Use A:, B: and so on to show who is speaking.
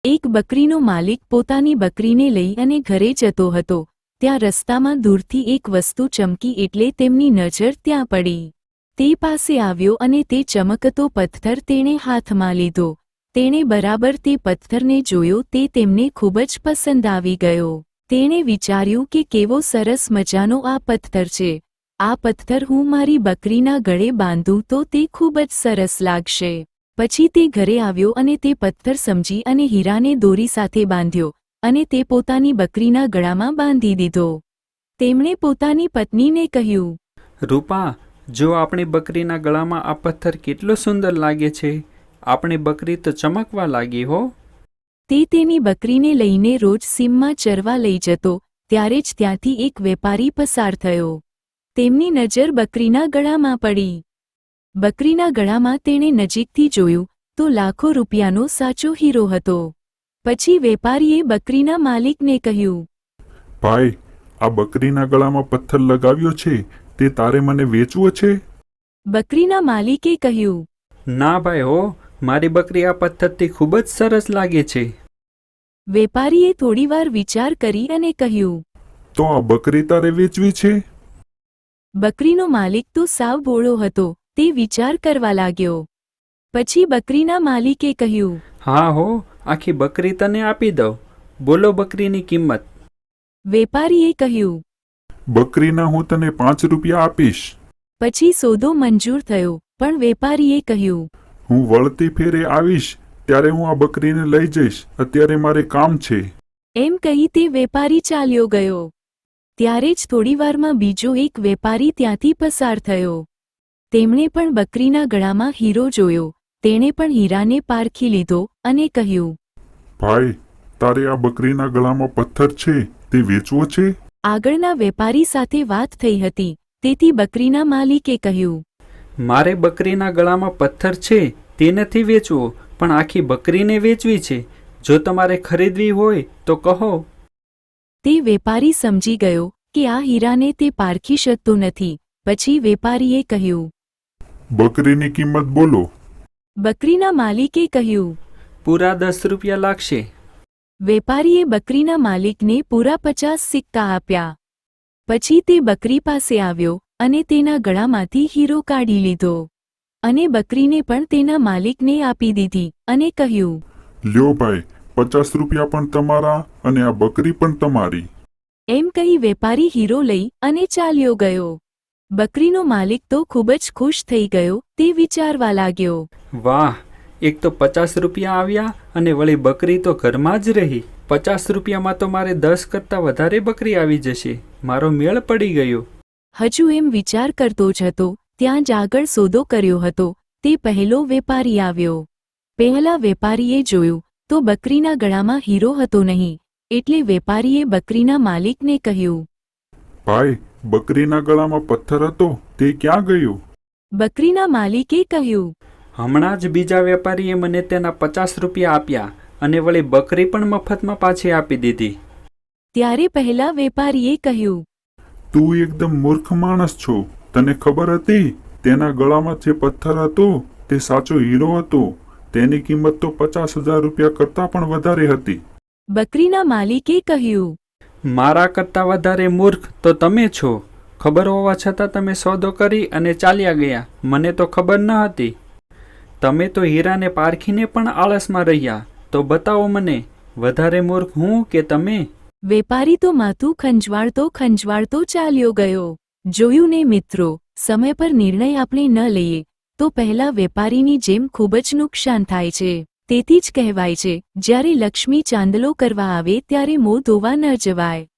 A: એક બકરીનો માલિક પોતાની બકરીને લઈ અને ઘરે જતો હતો. ત્યાં રસ્તામાં દૂરથી એક વસ્તુ ચમકી એટલે તેમની નજર ત્યાં પડી. તે પાસે આવ્યો અને તે ચમકતો પથ્થર તેણે હાથમાં લીધો. તેણે બરાબર તે પથ્થરને જોયો. તે તેમને ખૂબ જ પસંદ આવી ગયો. તેણે વિચાર્યું કે કેવો સરસ મજાનો આ પથ્થર છે. આ પથ્થર હું મારી બકરીના ગળે બાંધું તો તે ખૂબ જ સરસ લાગશે. પછી તે ઘરે આવ્યો અને તે પથ્થર સમજી અને હીરાને દોરી સાથે બાંધ્યો અને તે પોતાની બકરીના ગળામાં બાંધી દીધો. તેમણે પોતાની પત્નીને કહ્યું,
B: રૂપા, જો આપણી બકરીના ગળામાં આ પથ્થર કેટલો સુંદર લાગે છે. આપણી બકરી તો ચમકવા લાગી હો.
A: તે તેની બકરીને લઈને રોજ સીમમાં ચરવા લઈ જતો. ત્યારે જ ત્યાંથી એક વેપારી પસાર થયો. તેમની નજર બકરીના ગળામાં પડી. બકરીના ગળામાં તેણે નજીકથી જોયું તો લાખો રૂપિયાનો સાચો હીરો હતો. પછી વેપારીએ બકરીના માલિકને કહ્યું,
C: ભાઈ, આ બકરીના ગળામાં પથ્થર લગાવ્યો છે તે તારે મને વેચવો છે?
A: બકરીના માલિકે કહ્યું,
B: ના ભાઈ હો, મારી બકરી આ પથ્થરથી ખૂબ જ સરસ લાગે છે.
A: વેપારીએ થોડીવાર વિચાર કરી અને કહ્યું,
C: તો આ બકરી તારે વેચવી છે?
A: બકરીનો માલિક તો સાવ ભોળો હતો. તે વિચાર કરવા લાગ્યો. પછી બકરીના માલિકે કહ્યું,
B: હા હો, આખી બકરી તને આપી દઉં. બોલો બકરીની કિંમત.
A: વેપારીએ કહ્યું,
C: બકરીના હું તને 5 રૂપિયા આપીશ.
A: પછી સોદો મંજૂર થયો. પણ વેપારીએ કહ્યું,
C: હું વળતી ફેરે આવીશ ત્યારે હું આ બકરીને લઈ જઈશ. અત્યારે મારે કામ છે.
A: એમ કહી તે વેપારી ચાલ્યો ગયો. ત્યારે જ થોડીવારમાં બીજો એક વેપારી ત્યાંથી પસાર થયો. તેમણે પણ બકરીના ગળામાં હીરો જોયો. તેણે પણ હીરાને પારખી લીધો અને કહ્યું,
C: ભાઈ, તારે આ બકરીના ગળામાં પથ્થર છે તે વેચવો છે?
A: આગળના વેપારી સાથે વાત થઈ હતી. તેથી બકરીના માલિકે કહ્યું,
B: મારે બકરીના ગળામાં પથ્થર છે તે નથી વેચવો, પણ આખી બકરીને વેચવી છે. જો તમારે ખરીદવી હોય તો કહો.
A: તે વેપારી સમજી ગયો કે આ હીરાને તે પારખી શકતો નથી. પછી વેપારીએ કહ્યું,
C: બકરીની કિંમત બોલો.
A: બકરીના માલિકે કહ્યું,
B: પૂરા 10 રૂપિયા લાગશે.
A: વેપારીએ બકરીના માલિકને પૂરા 50 સિક્કા આપ્યા. પછી તે બકરી પાસે આવ્યો અને તેના ગળામાંથી હીરો કાઢી લીધો અને બકરીને પણ તેના માલિકને આપી દીધી અને કહ્યું,
C: લ્યો ભાઈ, 50 રૂપિયા પણ તમારા અને આ બકરી પણ તમારી.
A: એમ કહી વેપારી હીરો લઈ અને ચાલ્યો ગયો. બકરીનો માલિક તો ખૂબ જ ખુશ થઈ ગયો. તે વિચારવા લાગ્યો,
B: વાહ, એક તો 50 રૂપિયા આવ્યા અને વળી બકરી તો ઘરમાં જ રહી. 50 રૂપિયામાં તો મારે 10 કરતાં વધારે બકરી આવી જશે. મારો મેળ પડી ગયો.
A: હજુ એમ વિચાર કરતો જ હતો ત્યાં જ આગળ સોદો કર્યો હતો. તે પહેલો વેપારી આવ્યો. પહેલા વેપારીએ જોયું તો બકરીના ગળામાં હીરો હતો નહીં. એટલે વેપારીએ બકરીના માલિકને કહ્યું,
C: ભાઈ, બકરીના ગળામાં પથ્થર હતો તે ક્યાં ગયો?
A: બકરીના માલિકે કહ્યું,
B: હમણાં જ બીજા વેપારીએ મને તેના 50 રૂપિયા આપ્યા અને વળી બકરી પણ મફતમાં પાછી આપી દીધી.
A: ત્યારે પહેલા વેપારીએ કહ્યું,
C: તું એકદમ મૂર્ખ માણસ છો. તને ખબર હતી તેના ગળામાં જે પથ્થર હતો તે સાચો હીરો હતો. તેની કિંમત તો 50,000 રૂપિયા કરતાં પણ વધારે હતી.
A: બકરીના માલિકે કહ્યું,
B: મારા કરતાં વધારે મૂર્ખ તો તમે છો. ખબર હોવા છતાં તમે સોદો કરી અને ચાલ્યા ગયા. મને તો ખબર ન હતી. તમે તો હીરાને પારખીને પણ આળસમાં રહ્યા. તો બતાવો મને, વધારે મૂર્ખ હું કે તમે?
A: વેપારી તો માથું ખંજવાળતો ચાલ્યો ગયો. જોયું ને મિત્રો, સમય પર નિર્ણય આપણે ન લઈએ તો પહેલા વેપારીની જેમ ખૂબ જ નુકસાન થાય છે. તેથી જ કહેવાય છે, જ્યારે લક્ષ્મી ચાંદલો કરવા આવે ત્યારે મોં ધોવા ન જવાય.